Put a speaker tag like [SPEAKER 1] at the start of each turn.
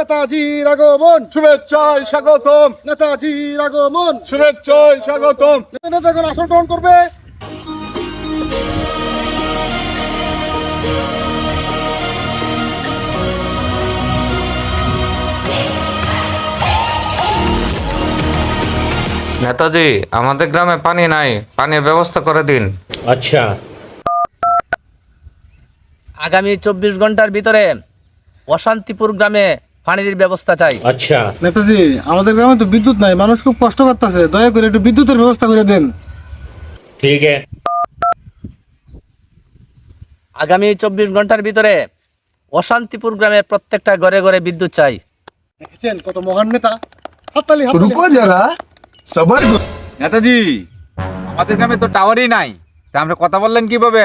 [SPEAKER 1] নেতাজির আগমন,
[SPEAKER 2] শুভেচ্ছায় স্বাগতম,
[SPEAKER 1] নেতাজির আগমন,
[SPEAKER 2] শুভেচ্ছায় স্বাগতম।
[SPEAKER 1] নেতাগণ আসন গ্রহণ করবে।
[SPEAKER 3] নেতাজি, আমাদের গ্রামে পানি নাই, পানির ব্যবস্থা করে দিন।
[SPEAKER 4] अच्छा।
[SPEAKER 5] আগামী 24 ঘন্টার ভিতরে অশান্তিপুর গ্রামে পানির ব্যবস্থা চাই।
[SPEAKER 4] अच्छा।
[SPEAKER 1] নেতাজি, আমাদের গ্রামে তো বিদ্যুৎ নাই, মানুষ খুব কষ্ট করতেছে, দয়া করে একটু বিদ্যুতের ব্যবস্থা করে দেন।
[SPEAKER 4] ठीक है।
[SPEAKER 5] আগামী 24 ঘন্টার ভিতরে অশান্তিপুর গ্রামে প্রত্যেকটা ঘরে ঘরে বিদ্যুৎ চাই।
[SPEAKER 1] দেখেছেন কত মহান নেতা। হাততালি, হাততালি।
[SPEAKER 6] रुको जरा सबर करो।
[SPEAKER 2] নেতাজি, আমাদের গ্রামে তো টাওয়ারই নাই, তা আমরা কথা বললেন কিভাবে?